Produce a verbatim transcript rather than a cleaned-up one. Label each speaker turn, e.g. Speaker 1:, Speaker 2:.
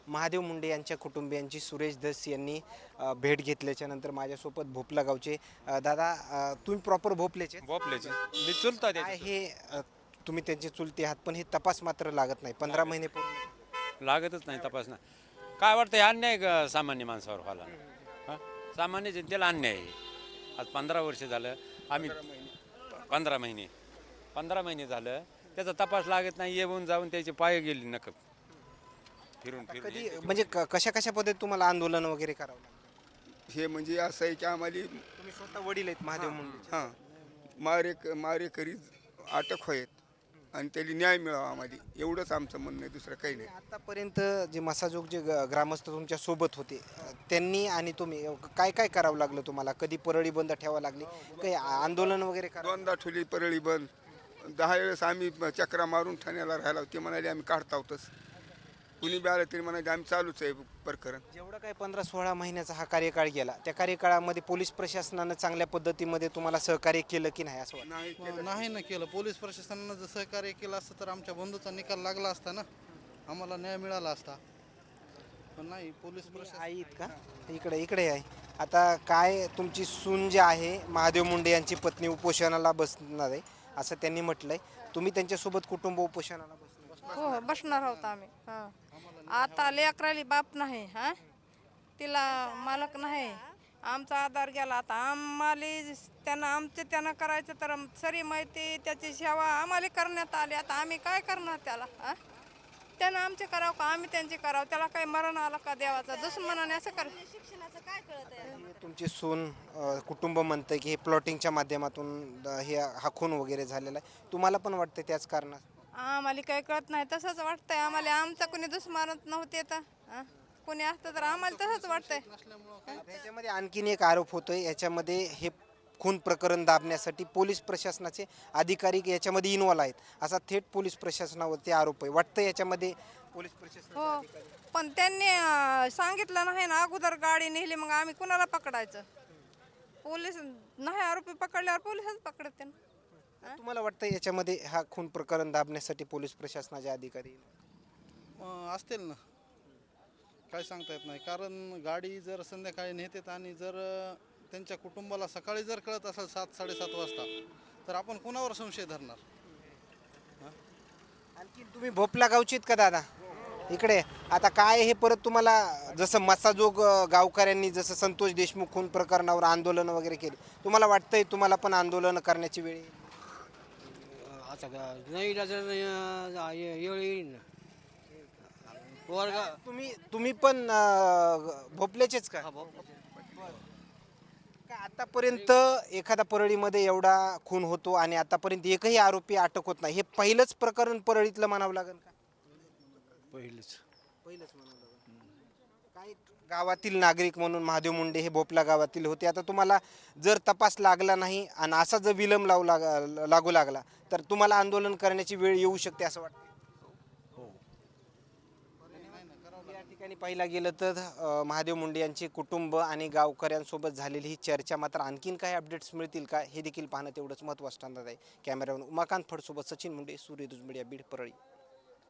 Speaker 1: महादेव मुंडे यांच्या कुटुंबियांची सुरेश धस यांनी अ, भेट घेतल्याच्या नंतर माझ्यासोबत भोपला गावचे अ, दादा अ, तुम्ही प्रॉपर भोपल्याचे
Speaker 2: भोपल्याची मी चुलता
Speaker 1: काय
Speaker 2: त्याची
Speaker 1: हे अ, तुम्ही त्यांचे चुलते आहात पण हे तपास मात्र लागत नाही पंधरा महिने पूर्ण
Speaker 2: लागतच नाही तपासणं. काय वाटतं हे अन्याय का सामान्य माणसावर व्हायला हां सामान्य जनतेला अन्याय आहे. आज पंधरा वर्ष झालं आम्ही पंधरा महिने पंधरा महिने झालं त्याचा तपास लागत नाही. येऊन जाऊन त्याचे पाय गेले नक फिरून फिरून
Speaker 1: कधी म्हणजे क- कशा कशा पद्धतीत तुम्हाला आंदोलन वगैरे करावं लागतं
Speaker 3: हे म्हणजे असं आहे की आम्हाला
Speaker 1: तुम्ही स्वतः वडील आहेत महादेव मुंडे
Speaker 3: हां मारे मारेकरी अटक होत आणि त्याला न्याय मिळावा आम्हाला एवढंच आमचं म्हणणं आहे, दुसरं काही नाही.
Speaker 1: आतापर्यंत जे मसाजोग जे ग- ग्रामस्थ तुमच्या सोबत होते अ, त्यांनी आणि तुम्ही अ, काय काय करावं लागलं तुम्हाला कधी परळी बंद ठेवावं लागली काही आ- आंदोलन वगैरे करा
Speaker 3: दोनदा ठेवली परळी बंद. दहा वेळेस आम्ही चक्रा मारून ठाण्याला राहिला ते म्हणाले आम्ही काढता होतच. कुणी बी आलं तरी म्हणाले आम्ही चालूच आहे प्रकरण.
Speaker 1: जेवढा काही पंधरा सोळा महिन्याचा हा कार्यकाळ गेला त्या कार्यकाळामध्ये पोलीस प्रशासनानं चांगल्या पद्धतीमध्ये तुम्हाला सहकार्य केलं की नाही असं वाटतं
Speaker 3: नाही केलं.
Speaker 4: नाही ना केलं. पोलीस प्रशासनानं जर सहकार्य केलं असतं तर आमच्या बंधूचा निकाल लागला असता ना, आम्हाला न्याय मिळाला असता. पण नाही, पोलीस प्रशासन
Speaker 1: आई आहेत का इकडे इकडे आहे आता काय तुमची सून जी आहे महादेव मुंडे यांची पत्नी उपोषणाला बसणार आहे असं त्यांनी म्हटलंय तुम्ही त्यांच्यासोबत कुटुंब उपोषणाला बसणार
Speaker 5: हो हो बसणार आहोत आम्ही हां आता लेकराली बाप नाही हां तिला मालक नाही आमचा आधार गेला आता आम्हाला त्यांना आमचे त्यांना करायचं तर सरी माहिती त्याची सेवा आम्हाला करण्यात आली आता आम्ही काय करणार त्याला हां त्यानं आमचे करावं का आम्ही त्यांचे करावं त्याला काही मरण आलं का देवाचा दुश्मनाने असं कर
Speaker 6: शिक्षणाचं काय कळत आहे
Speaker 1: तुमची सून अ, कुटुंब म्हणतंय की हे प्लॉटिंगच्या माध्यमातून अ, हे हा खून वगैरे झालेला आहे तुम्हाला पण वाटतं त्याच कारणात
Speaker 5: आम्हाला काही कळत नाही तसंच वाटतंय आम्हाला आमचं कोणी दुश्मनच नव्हते तर हां कोणी असतं तर आम्हाला तसंच वाटतंय
Speaker 1: ह्याच्यामध्ये आणखीन एक आरोप होतोय याच्यामध्ये हे खून प्रकरण दाबण्यासाठी पोलीस प्रशासनाचे अधिकारी याच्यामध्ये इन्व्हॉल्व आहेत असा थेट पोलीस प्रशासनावरती आरोप आहे वाटतं याच्यामध्ये पोलीस प्रशासन
Speaker 5: हो पण त्यांनी अं, सांगितलं नाही ना अगोदर गाडी नेली मग आम्ही कुणाला पकडायचं पोलीस नाही आरोपी पकडल्यावर पोलिसच पकडते ना
Speaker 1: तुम्हाला वाटतं याच्यामध्ये हा खून प्रकरण दाबण्यासाठी पोलीस प्रशासनाचे अधिकारी
Speaker 4: अं, असतील ना, काय सांगता येत नाही. कारण गाडी जर संध्याकाळी नेतात आणि जर अं, त्यांच्या कुटुंबाला सकाळी जर कळत असेल सात साडेसात वाजता तर आपण कुणावर संशय धरणार?
Speaker 1: आणखी तुम्ही भोपला गावचीत का दादा इकडे आता काय हे परत तुम्हाला जसं मसाजोग अ, गावकऱ्यांनी जसं संतोष देशमुख खून प्रकरणावर आंदोलन वगैरे केली तुम्हाला वाटतंय तुम्हाला पण आंदोलन करण्याची वेळ येईल?
Speaker 7: आता का नाही जर येळ येईल ना पोरगा
Speaker 1: तुम्ही तुम्ही पण अ, भोपल्याचेच का का आतापर्यंत एखादा परळीमध्ये एवढा खून होतो आणि आतापर्यंत एकही आरोपी अटक होत नाही हे पहिलंच प्रकरण परळीतलं म्हणावं लागेल का
Speaker 7: पहिलेच
Speaker 1: पहिलंच म्हणावं लागेल काय गावातील नागरिक म्हणून महादेव मुंडे हे भोपला गावातील होते आता तुम्हाला जर तपास लागला नाही आणि असा जर विलंब लावू लाग लागू लागला तर तुम्हाला आंदोलन करण्याची वेळ येऊ शकते असं वाटतं या ठिकाणी पाहिलं गेलं तर अ, महादेव मुंडे यांचे कुटुंब आणि गावकऱ्यांसोबत झालेली ही चर्चा मात्र आणखीन काही अपडेट्स मिळतील का हे देखील पाहणं तेवढंच महत्त्वाचं ठरणार आहे कॅमेरामॅन उमाकांत फडसोबत सचिन मुंडे सूर्यदुज मीडिया बीड परळी.